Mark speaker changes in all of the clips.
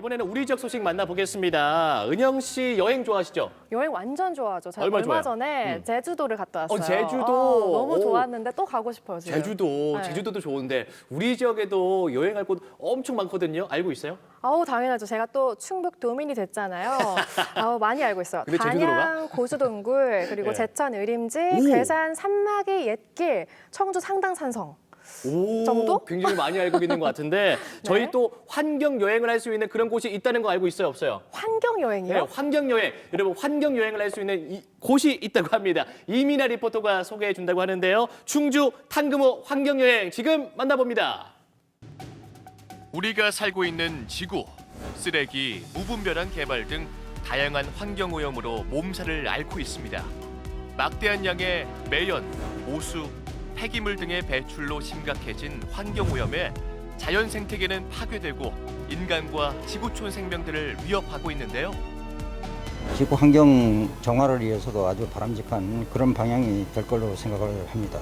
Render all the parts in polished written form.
Speaker 1: 이번에는 우리 지역 소식 만나보겠습니다. 은영 씨 여행 좋아하시죠?
Speaker 2: 여행 완전 좋아하죠. 제가
Speaker 1: 얼마나
Speaker 2: 얼마
Speaker 1: 좋아요?
Speaker 2: 전에 제주도를 갔다 왔어요.
Speaker 1: 제주도.
Speaker 2: 너무
Speaker 1: 오.
Speaker 2: 좋았는데 또 가고 싶어요, 지금.
Speaker 1: 제주도,
Speaker 2: 네.
Speaker 1: 제주도도 좋은데 우리 지역에도 여행할 곳 엄청 많거든요. 알고 있어요?
Speaker 2: 당연하죠. 제가 또 충북 도민이 됐잖아요. 많이 알고 있어요.
Speaker 1: 근데 제주도로 가?
Speaker 2: 단양 고수동굴, 그리고
Speaker 1: 네.
Speaker 2: 제천 의림지,
Speaker 1: 오.
Speaker 2: 괴산 산막이 옛길, 청주 상당산성.
Speaker 1: 오,
Speaker 2: 정도?
Speaker 1: 굉장히 많이 알고 있는 것 같은데 저희 또 환경 여행을 할 수 있는 그런 곳이 있다는 거 알고 있어요, 없어요?
Speaker 2: 환경
Speaker 1: 네,
Speaker 2: 여행이요?
Speaker 1: 환경 여행. 여러분 환경 여행을 할 수 있는 곳이 있다고 합니다. 이민아 리포터가 소개해 준다고 하는데요. 충주 탕금호 환경 여행 지금 만나봅니다. 우리가 살고 있는 지구, 쓰레기, 무분별한 개발 등 다양한 환경 오염으로 몸살을 앓고 있습니다. 막대한 양의 매연, 오수, 폐기물 등의 배출로 심각해진 환경 오염에 자연 생태계는 파괴되고 인간과 지구촌 생명들을 위협하고 있는데요.
Speaker 3: 지구 환경 정화를 위해서도 아주 바람직한 그런 방향이 될 걸로 생각을 합니다.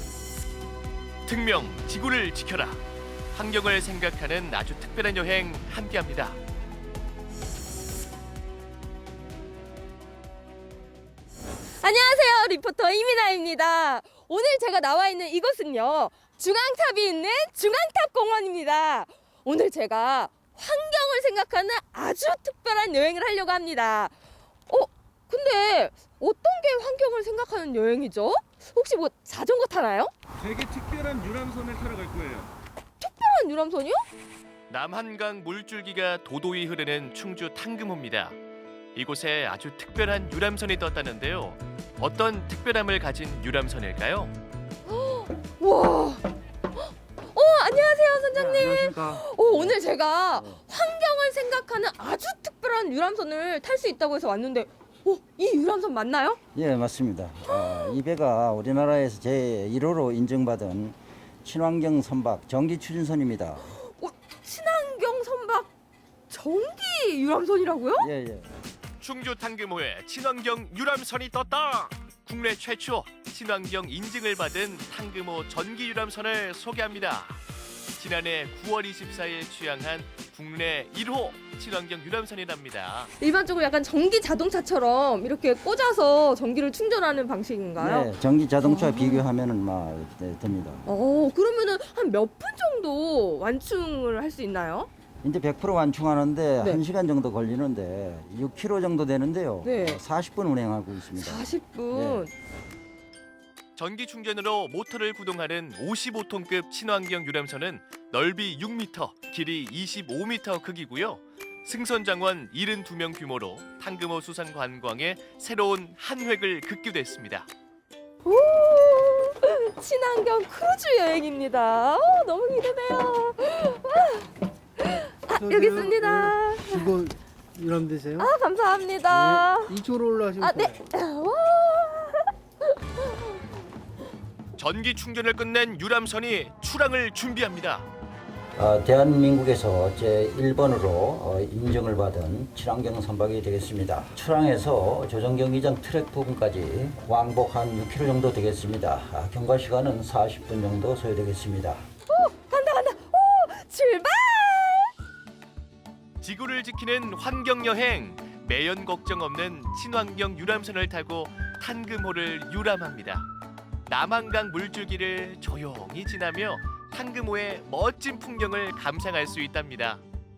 Speaker 1: 특명 지구를 지켜라. 환경을 생각하는 아주 특별한 여행 함께합니다.
Speaker 4: 안녕하세요. 리포터 이민아입니다. 오늘 제가 나와 있는 이곳은요. 중앙탑이 있는 중앙탑공원입니다. 오늘 제가 환경을 생각하는 아주 특별한 여행을 하려고 합니다. 근데 어떤 게 환경을 생각하는 여행이죠? 혹시 뭐 자전거 타나요?
Speaker 5: 되게 특별한 유람선을 타러 갈 거예요.
Speaker 4: 특별한 유람선이요?
Speaker 1: 남한강 물줄기가 도도히 흐르는 충주 탕금호입니다. 이곳에 아주 특별한 유람선이 떴다는데요. 어떤 특별함을 가진 유람선일까요?
Speaker 4: 와. 안녕하세요, 선장님.
Speaker 5: 안녕하십니까.
Speaker 4: 오늘 제가 환경을 생각하는 아주 특별한 유람선을 탈 수 있다고 해서 왔는데 이 유람선 맞나요?
Speaker 3: 예, 맞습니다. 이 배가 우리나라에서 제1호로 인정받은 친환경 선박 전기 추진선입니다.
Speaker 4: 친환경 선박 전기 유람선이라고요?
Speaker 3: 예, 예.
Speaker 1: 충주 탕금호에 친환경 유람선이 떴다. 국내 최초 친환경 인증을 받은 탕금호 전기 유람선을 소개합니다. 지난해 9월 24일 취항한 국내 1호 친환경 유람선이랍니다.
Speaker 4: 일반적으로 약간 전기 자동차처럼 이렇게 꽂아서 전기를 충전하는 방식인가요?
Speaker 3: 네, 전기 자동차 비교하면은 막 됩니다.
Speaker 4: 그러면은 한 몇 분 정도 완충을 할 수 있나요?
Speaker 3: 이제 100% 완충하는데
Speaker 4: 네.
Speaker 3: 1시간 정도 걸리는데 6km 정도 되는데요.
Speaker 4: 네.
Speaker 3: 40분 운행하고 있습니다.
Speaker 4: 40분.
Speaker 1: 전기 충전으로 모터를 구동하는 55톤급 친환경 유람선은 넓이 6m, 길이 25m 크기고요. 승선 장원 72명 규모로 탕금호 수산 관광에 새로운 한 획을 긋기도했습니다.
Speaker 4: 오, 친환경 크루즈 여행입니다. 너무 기대돼요. 여기 있습니다.
Speaker 5: 이거 유람되세요?
Speaker 4: 감사합니다.
Speaker 5: 이쪽으로 올라가시면
Speaker 4: 네.
Speaker 5: 돼요.
Speaker 4: 와.
Speaker 1: 전기 충전을 끝낸 유람선이 출항을 준비합니다.
Speaker 3: 대한민국에서 제1번으로 인정을 받은 친환경 선박이 되겠습니다. 출항해서 조정경기장 트랙 부분까지 왕복 한 6km 정도 되겠습니다. 경과 시간은 40분 정도 소요되겠습니다.
Speaker 4: 간다. 출발!
Speaker 1: 지구를 지키는 환경 여행, 매연 걱정 없는 친환경 유람선을 타고 탕금호를 유람합니다. 남한강 물줄기를 조용히 지나며 탕금호의 멋진 풍경을 감상할 수 있답니다.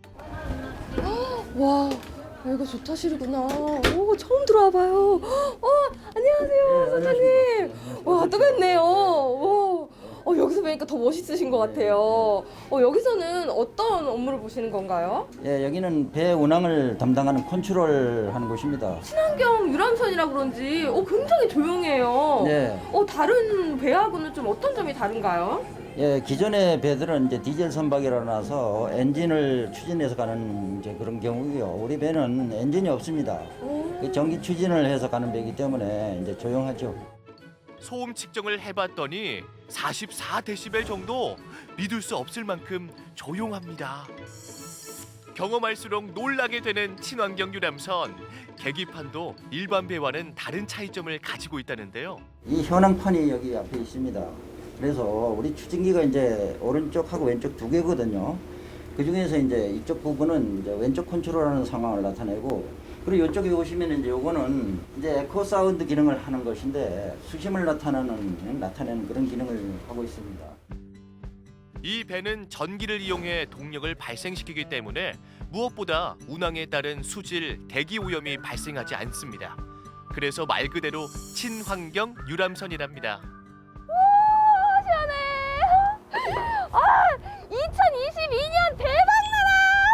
Speaker 4: 와, 여기가 좋다시구나. 처음 들어와 봐요. 안녕하세요, 선생님. 와, 또 뵙네요. 여기서 뵈니까 더 멋있으신 것 같아요. 여기서는 어떤 업무를 보시는 건가요?
Speaker 3: 예, 여기는 배 운항을 담당하는 컨트롤 하는 곳입니다.
Speaker 4: 친환경 유람선이라 그런지 굉장히 조용해요.
Speaker 3: 네.
Speaker 4: 다른 배하고는 좀 어떤 점이 다른가요?
Speaker 3: 예, 기존의 배들은 이제 디젤 선박이라 나서 엔진을 추진해서 가는 이제 그런 경우고요. 우리 배는 엔진이 없습니다. 그 전기 추진을 해서 가는 배이기 때문에 이제 조용하죠.
Speaker 1: 소음 측정을 해봤더니 44데시벨 정도, 믿을 수 없을 만큼 조용합니다. 경험할수록 놀라게 되는 친환경 유람선. 계기판도 일반 배와는 다른 차이점을 가지고 있다는데요.
Speaker 3: 이 현황판이 여기 앞에 있습니다. 그래서 우리 추진기가 이제 오른쪽하고 왼쪽 두 개거든요. 그 중에서 이제 이쪽 부분은 이제 왼쪽 컨트롤하는 상황을 나타내고, 그리고 이쪽에 보시면 이제 요거는 이제 에코 사운드 기능을 하는 것인데 수심을 나타내는 그런 기능을 하고 있습니다.
Speaker 1: 이 배는 전기를 이용해 동력을 발생시키기 때문에 무엇보다 운항에 따른 수질, 대기 오염이 발생하지 않습니다. 그래서 말 그대로 친환경 유람선이랍니다.
Speaker 4: 시원해. 2022년 대박나라.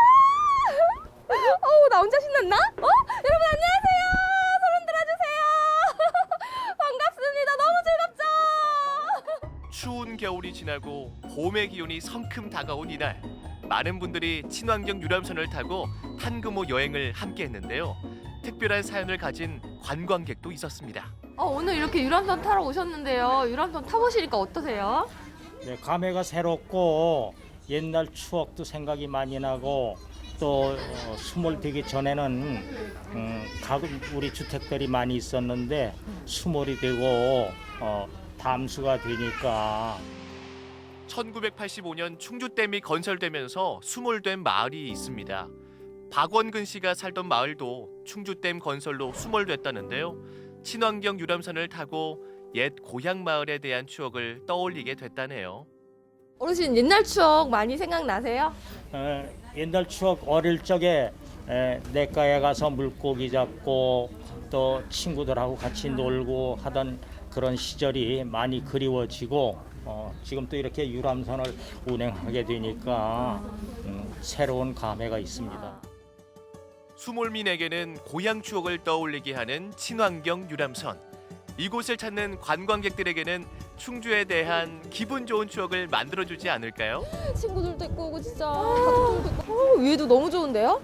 Speaker 4: 나 혼자 신났나? 여러분 안녕하세요. 소름 들어주세요. 반갑습니다. 너무 즐겁죠?
Speaker 1: 추운 겨울이 지나고 봄의 기온이 성큼 다가온 이날, 많은 분들이 친환경 유람선을 타고 탕금호 여행을 함께 했는데요. 특별한 사연을 가진 관광객도 있었습니다.
Speaker 4: 오늘 이렇게 유람선 타러 오셨는데요. 유람선 타보시니까 어떠세요?
Speaker 6: 네, 감회가 새롭고 옛날 추억도 생각이 많이 나고 또 수몰되기 전에는 우리 주택들이 많이 있었는데 수몰이 되고 담수가 되니까
Speaker 1: 1985년 충주댐이 건설되면서 수몰된 마을이 있습니다. 박원근 씨가 살던 마을도 충주댐 건설로 수몰됐다는데요. 친환경 유람선을 타고 옛 고향 마을에 대한 추억을 떠올리게 됐다네요.
Speaker 4: 어르신 옛날 추억 많이 생각나세요?
Speaker 6: 옛날 추억 어릴 적에 냇가에 가서 물고기 잡고 또 친구들하고 같이 놀고 하던 그런 시절이 많이 그리워지고 지금 또 이렇게 유람선을 운행하게 되니까 새로운 감회가 있습니다.
Speaker 1: 수몰민에게는 고향 추억을 떠올리게 하는 친환경 유람선. 이곳을 찾는 관광객들에게는 충주에 대한 기분 좋은 추억을 만들어주지 않을까요?
Speaker 4: 친구들도 있고 오고 진짜 가족들도 있고 위에도 너무 좋은데요?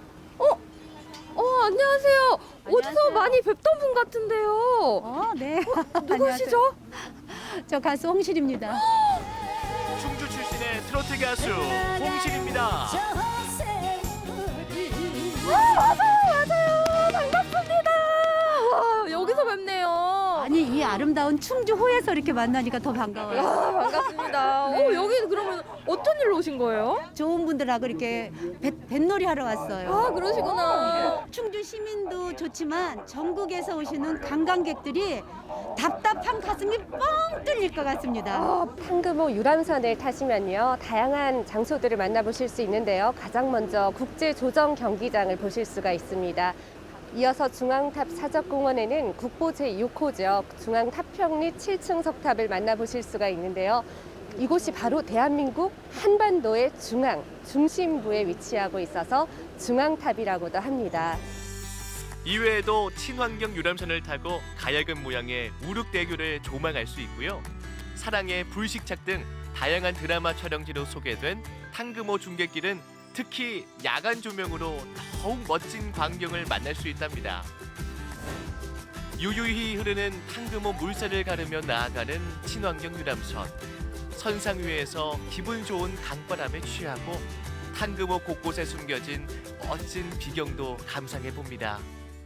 Speaker 4: 안녕하세요. 어디서 많이 뵙던 분 같은데요.
Speaker 7: 네.
Speaker 4: 누구시죠?
Speaker 7: 저 가수 홍실입니다.
Speaker 1: 충주 출신의 트로트 가수 홍실입니다.
Speaker 4: 맞아요. 반갑습니다. 와, 여기서 뵙네요.
Speaker 7: 아니 이 아름다운 충주호에서 이렇게 만나니까 더 반가워요.
Speaker 4: 반갑습니다. 여기 그러면 어떤 일로 오신 거예요?
Speaker 7: 좋은 분들하고 이렇게 뱃놀이 하러 왔어요.
Speaker 4: 그러시구나.
Speaker 7: 충주 시민도 좋지만 전국에서 오시는 관광객들이 답답한 가슴이 뻥 뚫릴 것 같습니다.
Speaker 8: 탕금호 유람선을 타시면요, 다양한 장소들을 만나보실 수 있는데요. 가장 먼저 국제조정 경기장을 보실 수가 있습니다. 이어서 중앙탑 사적공원에는 국보 제6호죠. 중앙탑평리 7층 석탑을 만나보실 수가 있는데요. 이곳이 바로 대한민국 한반도의 중심부에 위치하고 있어서 중앙탑이라고도 합니다.
Speaker 1: 이외에도 친환경 유람선을 타고 가야금 모양의 우륵대교를 조망할 수 있고요. 사랑의 불식착 등 다양한 드라마 촬영지로 소개된 탕금호 중객길은 특히 야간 조명으로 더욱 멋진 광경을 만날 수 있답니다. 유유히 흐르는 탕금호 물살을 가르며 나아가는 친환경 유람선. 선상 위에서 기분 좋은 강바람에 취하고 탕금호 곳곳에 숨겨진 멋진 비경도 감상해 봅니다.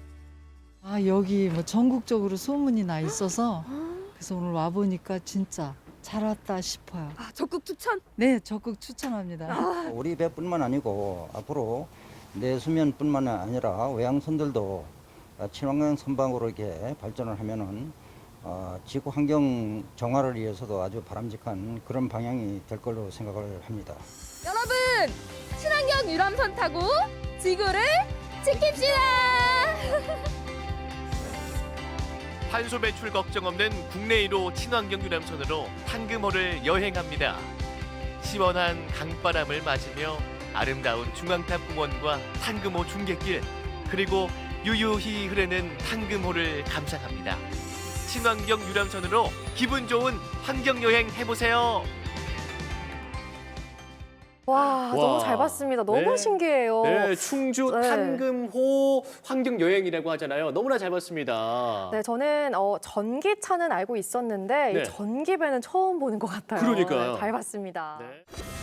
Speaker 9: 여기 뭐 전국적으로 소문이 나 있어서 그래서 오늘 와 보니까 진짜 잘 왔다 싶어요.
Speaker 4: 적극 추천.
Speaker 9: 네, 적극 추천합니다.
Speaker 3: 우리 배뿐만 아니고 앞으로 내수면뿐만 아니라 외항선들도 친환경 선박으로 이렇게 발전을 하면은 지구 환경 정화를 위해서도 아주 바람직한 그런 방향이 될 걸로 생각을 합니다.
Speaker 4: 여러분, 친환경 유람선 타고 지구를 지킵시다.
Speaker 1: 탄소 배출 걱정 없는 국내 1호 친환경 유람선으로 탕금호를 여행합니다. 시원한 강바람을 맞으며 아름다운 중앙탑 공원과 탕금호 중객길, 그리고 유유히 흐르는 탕금호를 감상합니다. 친환경 유람선으로 기분 좋은 환경 여행 해보세요.
Speaker 2: 와, 너무 잘 봤습니다. 너무
Speaker 1: 네.
Speaker 2: 신기해요.
Speaker 1: 네, 충주
Speaker 2: 네.
Speaker 1: 탕금호 환경 여행이라고 하잖아요. 너무나 잘 봤습니다.
Speaker 2: 네, 저는 전기차는 알고 있었는데
Speaker 1: 네.
Speaker 2: 이 전기배는 처음 보는 것 같아요.
Speaker 1: 그러니까요.
Speaker 2: 네, 잘 봤습니다.
Speaker 1: 네.